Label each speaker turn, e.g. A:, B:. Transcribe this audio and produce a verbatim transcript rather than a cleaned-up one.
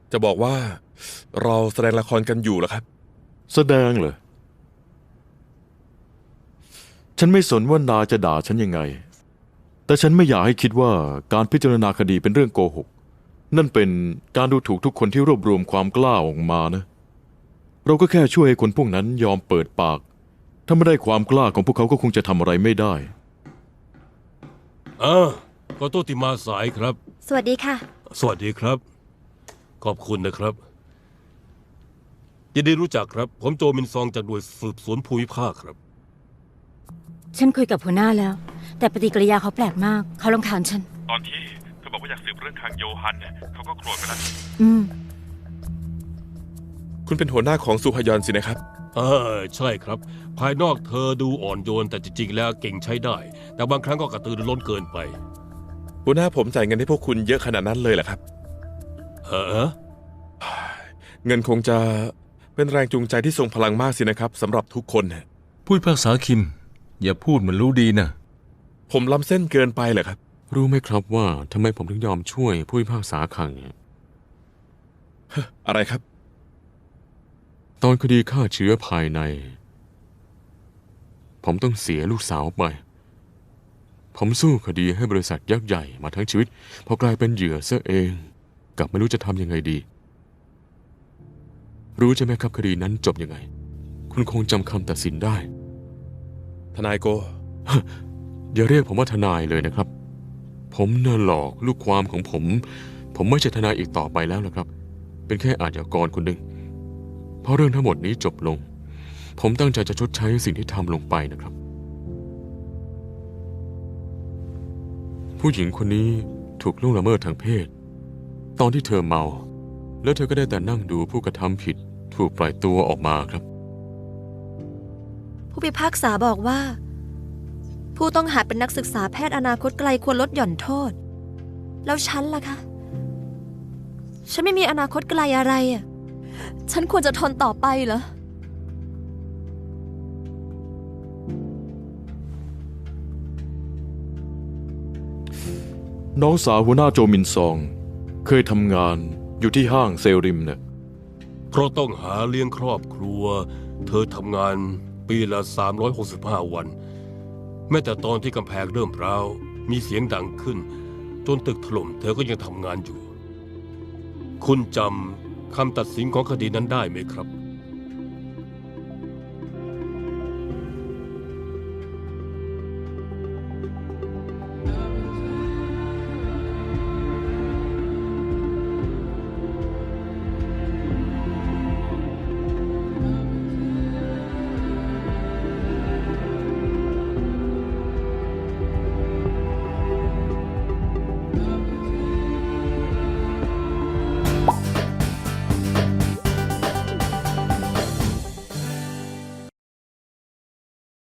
A: จะบอกว่าเราแสดงละครกันอยู่เหรอครับ
B: แสดงเหรอฉันไม่สนว่านายจะด่าฉันยังไงแต่ฉันไม่อยากให้คิดว่าการพิจารณาคดีเป็นเรื่องโกหกนั่นเป็นการดูถูกทุกคนที่รวบรวมความกล้าออกมานะเราก็แค่ช่วยให้คนพวกนั้นยอมเปิดปากถ้าไม่ได้ความกล้าของพวกเขาก็คงจะทำอะไรไม่ได้
C: อ่าขอโทษที่มาสายครับ
D: สวัสดีค่ะ
C: สวัสดีครับขอบคุณนะครับยินดีรู้จักครับผมโจมินซองจากหน่วยสืบสวนภูมิภาคครับ
D: ฉันคุยกับหัวหน้าแล้วแต่ปฏิกิริยาเขาแปลกมากเขารำคาญฉัน
A: ตอนที่เธอบอกว่าอยากสืบเรื่องทางโยฮันเนี่ยเขาก็โกรธไปแล้ว
D: อืม
A: คุณเป็นหัวหน้าของซูฮยอนสินะครับ
C: เออใช่ครับภายนอกเธอดูอ่อนโยนแต่จริงๆแล้วเก่งใช้ได้แต่บางครั้งก็กระตือรือร้นเกินไป
A: หัวหน้าผมจ่ายเงินให้พวกคุณเยอะขนาดนั้นเลยเหรอครับ
C: เออ
A: เงินคงจะเป็นแรงจูงใจที่ทรงพลังมากสินะครับสำหรับทุกคน
E: ผู้พิพากษาคิมอย่าพูดเหมือนรู้ดีนะ
A: ผมล้ำเส้นเกินไปเหรอครับ
B: รู้ไหมครับว่าทำไมผมถึงยอมช่วยผู้พิพากษาคังเนี่ย
A: อะไรครับ
B: ตอนคดีฆ่าเชื้อภายในผมต้องเสียลูกสาวไปผมสู้คดีให้บริษัทยักษ์ใหญ่มาทั้งชีวิตพอกลายเป็นเหยื่อซะเองกลับไม่รู้จะทำยังไงดีรู้ใช่ไหมครับคดีนั้นจบยังไงคุณคงจำคำตัดสินได้
A: ทนายโก
B: อย่าเรียกผมว่าทนายเลยนะครับผมน่ะหลอกลูกความของผมผมไม่ใช่ทนายอีกต่อไปแล้วล่ะครับเป็นแค่อาชญากรคนหนึ่งเพราะเรื่องทั้งหมดนี้จบลงผมตั้งใจจะชดใช้สิ่งที่ทำลงไปนะครับผู้หญิงคนนี้ถูกล่วงละเมิดทางเพศตอนที่เธอเมาแล้วเธอก็ได้แต่นั่งดูผู้กระทำผิดถูกปล่อยตัวออกมาครับ
D: ผู้พิพากษาบอกว่าผู้ต้องหาเป็นนักศึกษาแพทย์อนาคตไกลควรลดหย่อนโทษแล้วฉันล่ะคะฉันไม่มีอนาคตไกลอะไรอ่ะฉันควรจะทนต่อไปเหรอ
B: น้องสาวหัวหน้าโจมินซองเคยทำงานอยู่ที่ห้างเซลริมเนี่ย
C: เพราะต้องหาเลี้ยงครอบครัวเธอทำงานปีละสามร้อยหกสิบห้าวันแม้แต่ตอนที่กำแพงเริ่มร้าวมีเสียงดังขึ้นจนตึกถล่มเธอก็ยังทำงานอยู่คุณจำคำตัดสินของคดีนั้นได้ไหมครับ